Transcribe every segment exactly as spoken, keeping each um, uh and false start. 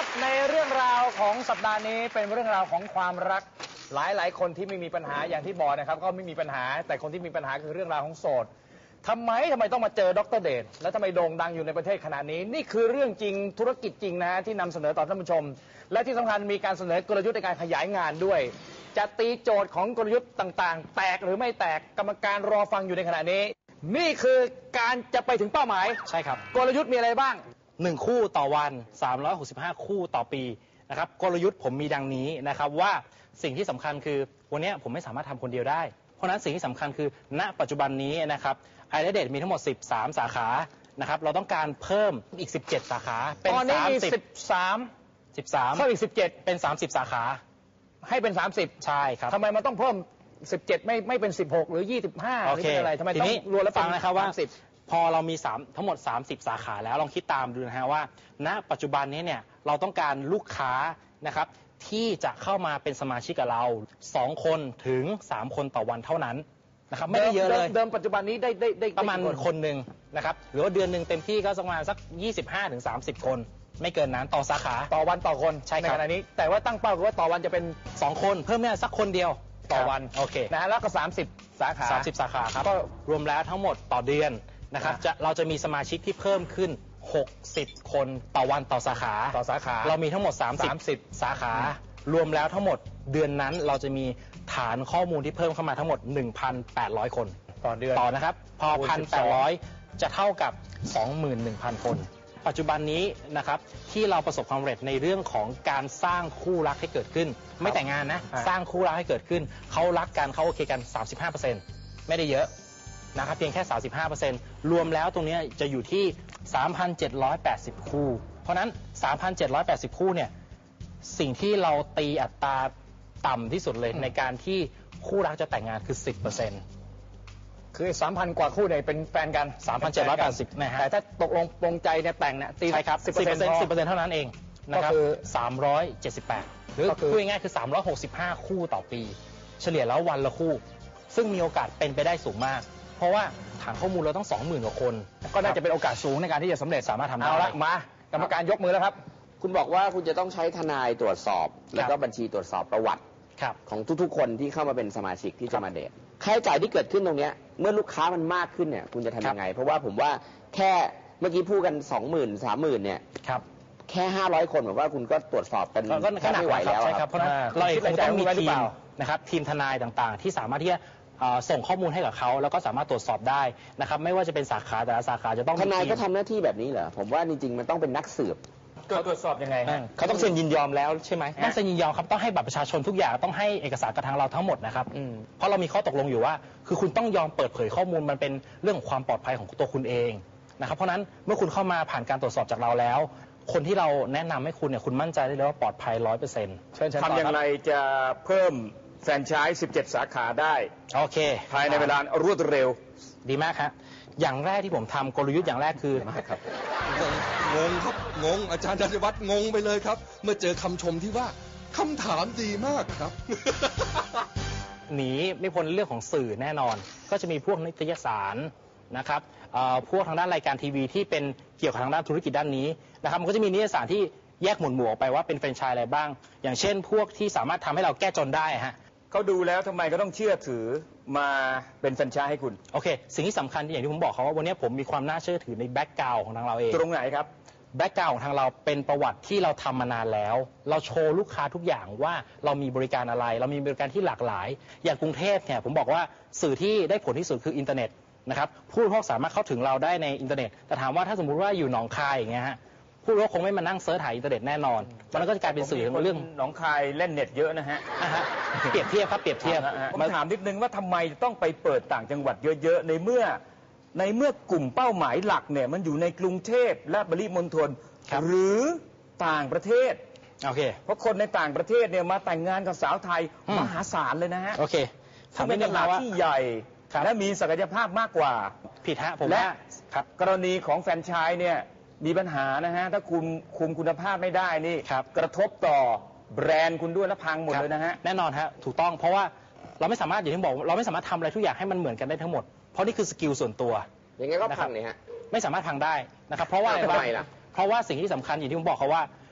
ในเรื่องราวของสัปดาห์นี้เป็นเรื่องราวของความรักหลายหลายคนที่ไม่มีปัญหาอย่างที่บอกนะครับก็ไม่มีปัญหาแต่คนที่มีปัญหาคือเรื่องราวของโสดทำไมทำไมต้องมาเจอดร.เดชและทำไมโด่งดังอยู่ในประเทศขนาดนี้นี่คือเรื่องจริงธุรกิจจริงนะที่นำเสนอต่อท่านผู้ชมและที่สำคัญมีการเสนอกลยุทธ์ในการขยายงานด้วยจะตีโจทย์ของกลยุทธ์ต่างๆแตกหรือไม่แตกกรรมการรอฟังอยู่ในขณะนี้นี่คือการจะไปถึงเป้าหมายใช่ครับกลยุทธ์มีอะไรบ้างหนึ่งคู่ต่อวันสามร้อยหกสิบห้าคู่ต่อปีนะครับกลยุทธ์ผมมีดังนี้นะครับว่าสิ่งที่สำคัญคือวันนี้ผมไม่สามารถทำคนเดียวได้เพราะนั้นสิ่งที่สำคัญคือณปัจจุบันนี้นะครับไอเดดมีทั้งหมดสิบสามสาขานะครับเราต้องการเพิ่มอีกสิบเจ็ดสาขาเป็นตอนนี้มีสิบสามสิบสามเพิ่มอีกสิบเจ็ดเป็นสามสิบสาขาให้เป็นสามสิบใช่ครับทำไมมันต้องเพิ่มสิบเจ็ดไม่ไม่เป็นสิบหกหรือยี่สิบห้าหรือเป็นอะไรทำไมต้องรวมแล้วฟังนะครับว่าพอเรามีสามทั้งหมดสามสิบสาขาแล้วลองคิดตามดูนะฮะว่าณปัจจุบันนี้เนี่ยเราต้องการลูกค้านะครับที่จะเข้ามาเป็นสมาชิกกับเราสองคนถึงสามคนต่อวันเท่านั้นนะครับไม่ได้เยอะเลยเดิมปัจจุบันนี้ได้ได้ได้ประมาณคนหนึ่งนะครับหรือว่าเดือนหนึ่งเต็มที่ก็ประมาณสักยี่สิบห้าถึงสามสิบคนไม่เกินนั้นต่อสาขาต่อวันต่อคนใช่ครับในขณะนี้แต่ว่าตั้งเป้าคือว่าต่อวันจะเป็นสองคนเพิ่มเนี่ยสักคนเดียวต่อวันโอเคนะฮะแล้วก็สามสิบสาขาสามสิบสาขาครับก็รวมแล้วทั้งหมดต่อเดือนนะครับจะเราจะมีสมาชิกที่เพิ่มขึ้นหกสิบคนต่อวันต่อสาขาต่อสาขาเรามีทั้งหมดสามสิบสาขารวมแล้วทั้งหมดเดือนนั้นเราจะมีฐานข้อมูลที่เพิ่มเข้ามาทั้งหมด หนึ่งพันแปดร้อย คนต่อเดือนต่อนะครับพอ หนึ่งพันแปดร้อย จะเท่ากับ สองหมื่นหนึ่งพัน คนปัจจุบันนี้นะครับที่เราประสบความสำเร็จในเรื่องของการสร้างคู่รักให้เกิดขึ้นไม่แต่งงานนะสร้างคู่รักให้เกิดขึ้นเขารักกันเขาโอเคกัน สามสิบห้าเปอร์เซ็นต์ ไม่ได้เยอะนะครับเพียงแค่ สามสิบห้าเปอร์เซ็นต์ รวมแล้วตรงนี้จะอยู่ที่ สามพันเจ็ดร้อยแปดสิบ คู่เพราะนั้น สามพันเจ็ดร้อยแปดสิบ คู่เนี่ยสิ่งที่เราตีอัตราต่ำที่สุดเลยในการที่คู่รักจะแต่งงานคือ สิบเปอร์เซ็นต์คือ สามพัน กว่าคู่เนี่ยเป็นแฟนกันสามพันเจ็ดร้อยแปดสิบ นะฮะแต่ถ้าตกลงปรงใจเนี่ยแต่งเนี่ยตีใช่ครับ สิบเปอร์เซ็นต์ สิบเปอร์เซ็นต์ เท่านั้นเองนะครับคือสามร้อยเจ็ดสิบแปดหรือพูดง่ายๆคือสามร้อยหกสิบห้าคู่ต่อปีเฉลี่ยแล้ววันละคู่ซึ่งมีโอกาสเป็นไปได้สูงมากเพราะว่าฐานข้อมูลเราต้อง สองหมื่น กว่าคนก็น่าจะเป็นโอกาสสูงในการที่จะสำเร็จสามารถทำได้เอาละมากรรมการยกมือแล้วครับคุณบอกว่าคุณจะต้องใช้ทนายตรวจสอบแล้วก็บัญชีตรวจสอบประวัติของทุกๆคนที่เข้ามาเป็นสมาชิกที่จะมาเดทค่าใช้จ่ายที่เกิดขึ้นตรงนี้เมื่อลูกค้ามันมากขึ้นเนี่ยคุณจะทำยังไงเพราะว่าผมว่าแค่เมื่อกี้พูดกัน สองหมื่น สามหมื่น เนี่ยแค่ห้าร้อยคนผมว่าคุณก็ตรวจสอบกันไม่ไหวแล้วครับเพราะเราเองคงต้องมีทีมนะครับทีมทนายต่างๆที่สามารถที่จะส่งข้อมูลให้กับเขาแล้วก็สามารถตรวจสอบได้นะครับไม่ว่าจะเป็นสาขาแต่ละสาขาจะต้องทนายก็ทำหน้าที่แบบนี้เหรอผมว่าจริงๆมันต้องเป็นนักสืบเขาตรวจสอบยังไงเขาต้องเซ็นยินยอมแล้วใช่ไหมต้องเซ็นยินยอมครับต้องให้บัตรประชาชนทุกอย่างต้องให้เอกสารกับทางเราทั้งหมดนะครับเพราะเรามีข้อตกลงอยู่ว่าคือคุณต้องยอมเปิดเผยข้อมูลมันเป็นเรื่องของความปลอดภัยของตัวคุณเองนะครับเพราะนั้นเมื่อคุณเข้ามาผ่านการตรวจสอบจากเราแล้วคนที่เราแนะนำให้คุณเนี่ยคุณมั่นใจได้เลยว่าปลอดภัย ร้อยเปอร์เซ็นต์ทำอย่างไรจะเพิ่มแฟรนไชส์สิบเจ็ดสาขาได้โอเคภายในเวลารวดเร็วดีมากครับอย่างแรกที่ผมทำกลยุทธ์อย่างแรกคือครับงงครับงงอาจารย์ธัญวัฒน์งงไปเลยครับเมื่อเจอคำชมที่ว่าคำถามดีมากครับหนีไม่พ้นเรื่องของสื่อแน่นอนก็จะมีพวกนิตยสารนะครับพวกทางด้านรายการทีวีที่เป็นเกี่ยวกับทางด้านธุรกิจด้านนี้นะครับมันก็จะมีนิตยสารที่แยกหมวดหมู่ออกไปว่าเป็นแฟรนไชส์อะไรบ้างอย่างเช่นพวกที่สามารถทำให้เราแก้จนได้ฮะเขาดูแล้วทำไมก็ต้องเชื่อถือมาเป็นแฟรนไชส์ให้คุณโอเคสิ่งที่สำคัญอย่างที่ผมบอกเขาว่าวันนี้ผมมีความน่าเชื่อถือในแบ็กกราวด์ของทางเราเองตรงไหนครับแบ็กกราวด์ของทางเราเป็นประวัติที่เราทำมานานแล้วเราโชว์ลูกค้าทุกอย่างว่าเรามีบริการอะไรเรามีบริการที่หลากหลายอย่างกรุงเทพเนี่ยผมบอกว่าสื่อที่ได้ผลที่สุดคืออินเทอร์เน็ตนะครับผู้บริโภคสามารถเข้าถึงเราได้ในอินเทอร์เน็ตแต่ถามว่าถ้าสมมุติว่าอยู่หนองคายอย่างเงี้ยฮะผู้บริโภคคงไม่มานั่งเซิร์ชหาอินเทอร์เน็ตแน่นอนมันก็จะกลายเป็นสื่อเรื่องหนองคายเล่นเน็ตเยอะนะฮะเปรียบเทียบครับเปรียบเทียบผมถามนิดนึงว่าทำไมต้องไปเปิดต่างจังหวัดเยอะๆในเมื่อในเมื่อกลุ่มเป้าหมายหลักเนี่ยมันอยู่ในกรุงเทพและปริมณฑลหรือต่างประเทศโอเคเพราะคนในต่างประเทศเนี่ยมาแต่งงานกับสาวไทยมหาศาลเลยนะฮะโอเคทำเป็นตลาดที่ใหญ่และมีศักยภาพมากกว่าผิดฮะผมและกรณีของแฟรนไชส์เนี่ยมีปัญหานะฮะถ้าคุณคุมคุณภาพไม่ได้นี่กระทบต่อแบรนด์คุณด้วยและพังหมดเลยนะฮะแน่นอนฮะถูกต้องเพราะว่าเราไม่สามารถอย่างที่บอกเราไม่สามารถทำอะไรทุกอย่างให้มันเหมือนกันได้ทั้งหมดเพราะนี่คือสกิลส่วนตัวอย่างงี้ก็พังเนี่ยฮะไม่สามารถพังได้นะครับเพราะว่าอะไรล่ะเพราะว่าสิ่งที่สำคัญอย่างที่ผมบอกเขาว่า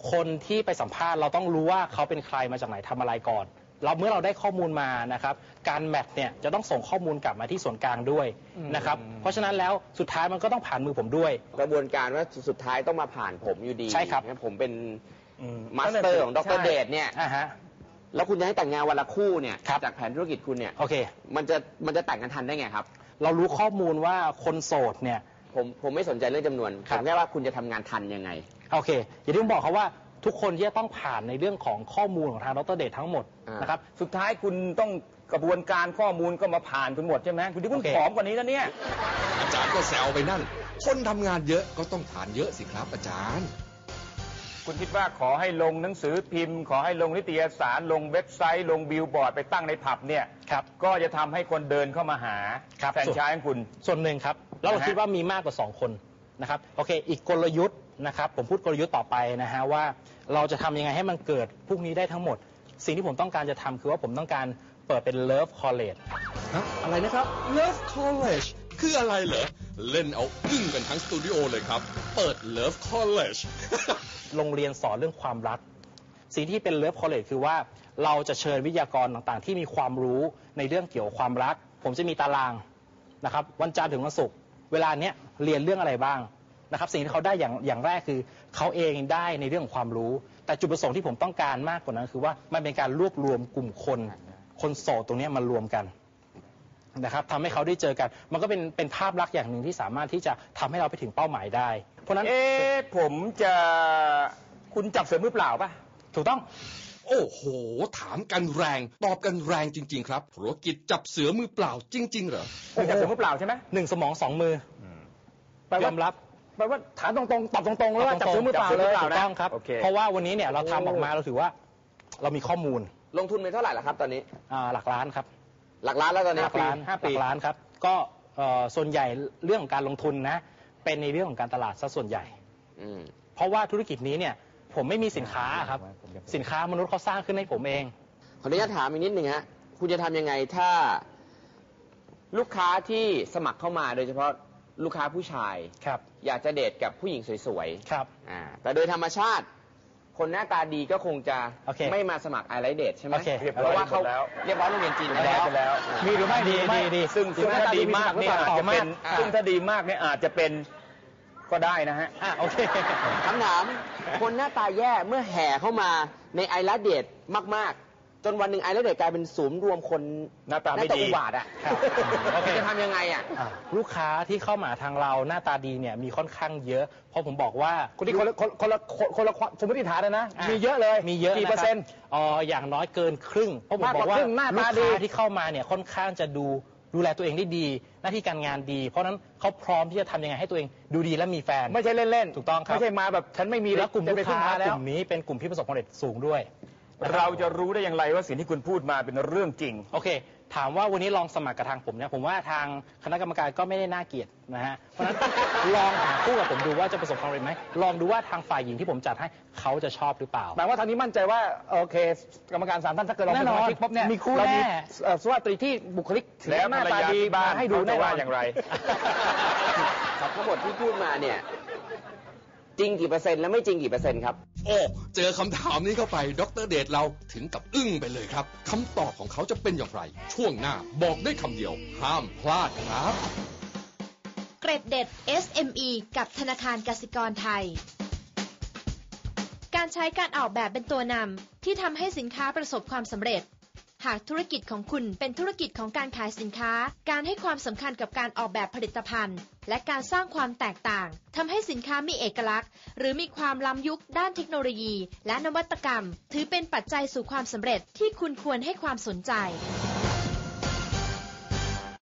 คนที่ไปสัมภาษณ์เราต้องรู้ว่าเขาเป็นใครมาจากไหนทำอะไรก่อนเราเมื่อเราได้ข้อมูลมานะครับการแมทเนี่ยจะต้องส่งข้อมูลกลับมาที่ส่วนกลางด้วยนะครับเพราะฉะนั้นแล้วสุดท้ายมันก็ต้องผ่านมือผมด้วยกระบวนการว่าสุดท้ายต้องมาผ่านผมอยู่ดีใช่ครับผมเป็นมาสเตอร์ของดร.เดชเนี่ยแล้วคุณจะให้แต่งงานวันละคู่เนี่ยจากแผนธุรกิจคุณเนี่ยโอเคมันจะมันจะแต่งกันทันได้ไงครับเรารู้ข้อมูลว่าคนโสดเนี่ยผมผมไม่สนใจเรื่องจำนวนผมแค่ว่าคุณจะทำงานทันยังไงโอเคอย่างที่ผมบอกเขาว่าทุกคนที่จะต้องผ่านในเรื่องของข้อมูลของทางดร.เดชทั้งหมดนะครับสุดท้ายคุณต้องกระบวนการข้อมูลก็มาผ่านคุณหมดใช่ไหมคุณที่คุณผอมกว่านี้แล้วเนี่ยอาจารย์ก็แซวไปนั่นคนทำงานเยอะก็ต้องทานเยอะสิครับอาจารย์คุณคิดว่าขอให้ลงหนังสือพิมพ์ขอให้ลงนิตยสารลงเว็บไซต์ลงบิลบอร์ดไปตั้งในผับเนี่ยครับก็จะทำให้คนเดินเข้ามาหาแฟรนไชส์ของคุณส่วนหนึ่งครับแล้วเราคิดว่ามีมากกว่าสองคนนะครับโอเคอีกกลยุทธ์นะครับผมพูดกลยุทธ์ต่อไปนะฮะว่าเราจะทำยังไงให้มันเกิดพวกนี้ได้ทั้งหมดสิ่งที่ผมต้องการจะทำคือว่าผมต้องการเปิดเป็น Love College ฮะอะไรนะครับ Love College คืออะไรเหรอเล่นเอาอึ้งกันทั้งสตูดิโอเลยครับเปิด Love College โรงเรียนสอนเรื่องความรักสิ่งที่เป็น Love College คือว่าเราจะเชิญวิทยากรต่างๆที่มีความรู้ในเรื่องเกี่ยวกับความรักผมจะมีตารางนะครับวันจันทร์ถึงวันศุกร์เวลาเนี้ยเรียนเรื่องอะไรบ้างนะครับสิ่งที่เขาได้อย่างอย่างแรกคือเขาเองได้ในเรื่องของความรู้แต่จุดประสงค์ที่ผมต้องการมากกว่านั้นคือว่ามันเป็นการรวบรวมกลุ่มคนคนโสดตรงนี้มารวมกันนะครับทำให้เขาได้เจอกันมันก็เป็นเป็นภาพลักษณ์อย่างหนึ่งที่สามารถที่จะทำให้เราไปถึงเป้าหมายได้เพราะนั้นเอ๊ะผมจะคุณจับเสือมือเปล่าป่ะถูกต้องโอ้โหถามกันแรงตอบกันแรงจริงๆครับธุรกิจจับเสือมือเปล่าจริงๆเหรอคุณจับเสือมือเปล่าใช่ไหมหนึ่งสมองสองมือยอมรับแปลว่าถามตรงๆตอบตรงๆแล้วว่าจับเสือมือเปล่าเลยถูกต้องครับเพราะว่าวันนี้เนี่ยเราทำออกมาเราถือว่าเรามีข้อมูลลงทุนไปเท่าไหร่ล่ะครับตอนนี้หลักล้านครับหลักล้านแล้วตอนนี้หลักล้านห้าปีหลักล้านครับก็ส่วนใหญ่เรื่องของการลงทุนนะเป็นในเรื่องของการตลาดซะส่วนใหญ่เพราะว่าธุรกิจนี้เนี่ยผมไม่มีสินค้าครับสินค้ามนุษย์เขาสร้างขึ้นให้ผมเองขออนุญาตถามอีกนิดหนึ่งฮะคุณจะทำยังไงถ้าลูกค้าที่สมัครเข้ามาโดยเฉพาะลูกค้าผู้ชายครับอยากจะเดทกับผู้หญิงสวยๆครับอ่าแต่โดยธรรมชาติคนหน้าตาดีก็คงจะไม่มาสมัครไอไลท์เดทใช่ไหมเพราะว่าเขาเรียบร้อยโรงเรียนจีนไปแล้วมีหรือไม่ดีดีดีซึ่งซึ่งถ้าดีมากเนี่ยอาจจะเป็นซึ่งถ้าดีมากเนี่ยอาจจะเป็นก็ได้นะฮะอ่าโอเคคำถามคนหน้าตาแย่เมื่อแห่เข้ามาในไอไลท์เดทมากๆจนวันหนึ่งไอไลท์เดทกลายเป็นศูนย์รวมคนหน้าตาไม่ดีอุบาทอ่ะจะทำยังไงอ่ะลูกค้าที่เข้ามาทางเราหน้าตาดีเนี่ยมีค่อนข้างเยอะเพราะผมบอกว่าคนที่คนละคนละคนละสมมติฐานนะนะมีเยอะเลยมีเยอะกี่เปอร์เซ็นต์อ๋ออย่างน้อยเกินครึ่งเพราะผมบอกว่าลูกค้าที่เข้ามาเนี่ยค่อนข้างจะดูดูแลตัวเองได้ดีหน้าที่การงานดีเพราะนั้นเขาพร้อมที่จะทำยังไงให้ตัวเองดูดีและมีแฟนไม่ใช่เล่นๆถูกต้องครับไม่ใช่มาแบบฉันไม่มีแล้วกลุ่มลูกค้ากลุ่มนี้เป็นกลุ่มที่ประสบความสำเร็จสูงด้วยเราจะรู้ได้อย่างไรว่าสิ่งที่คุณพูดมาเป็นเรื่องจริงโอเคถามว่าวันนี้ลองสมัครกับทางผมเนี่ยผมว่าทางคณะกรรมการก็ไม่ได้น่าเกลียดนะฮะเพราะฉะนั้นลองหาคู่กับผมดูว่าจะประสบความสำเร็จไหมลองดูว่าทางฝ่ายหญิงที่ผมจัดให้เขาจะชอบหรือเปล่าแปลว่าทางนี้มั่นใจว่าโอเคกรรมการสามท่านถ้าเกิดเราเป็นสมาชิกปุ๊บเนี่ยมีคู่แน่สุภาพสตรีที่บุคลิกและหน้าตาดีมาให้ดูแน่ว่าอย่างไรครับทั้งหมดที่พูดมาเนี่ยจริงกี่เปอร์เซ็นต์และไม่จริงกี่เปอร์เซ็นต์ครับโอ้เจอคำถามนี้เข้าไปดร.เดชเราถึงกับอึ้งไปเลยครับคำตอบของเขาจะเป็นอย่างไรช่วงหน้าบอกได้คำเดียวห้ามพลาดครับเกร็ดเด็ด เอส เอ็ม อี กับธนาคารกสิกรไทยการใช้การออกแบบเป็นตัวนำที่ทำให้สินค้าประสบความสำเร็จหากธุรกิจของคุณเป็นธุรกิจของการขายสินค้าการให้ความสำคัญกับการออกแบบผลิตภัณฑ์และการสร้างความแตกต่างทำให้สินค้ามีเอกลักษณ์หรือมีความล้ำยุคด้านเทคโนโลยีและนวัตกรรมถือเป็นปัจจัยสู่ความสำเร็จที่คุณควรให้ความสนใจ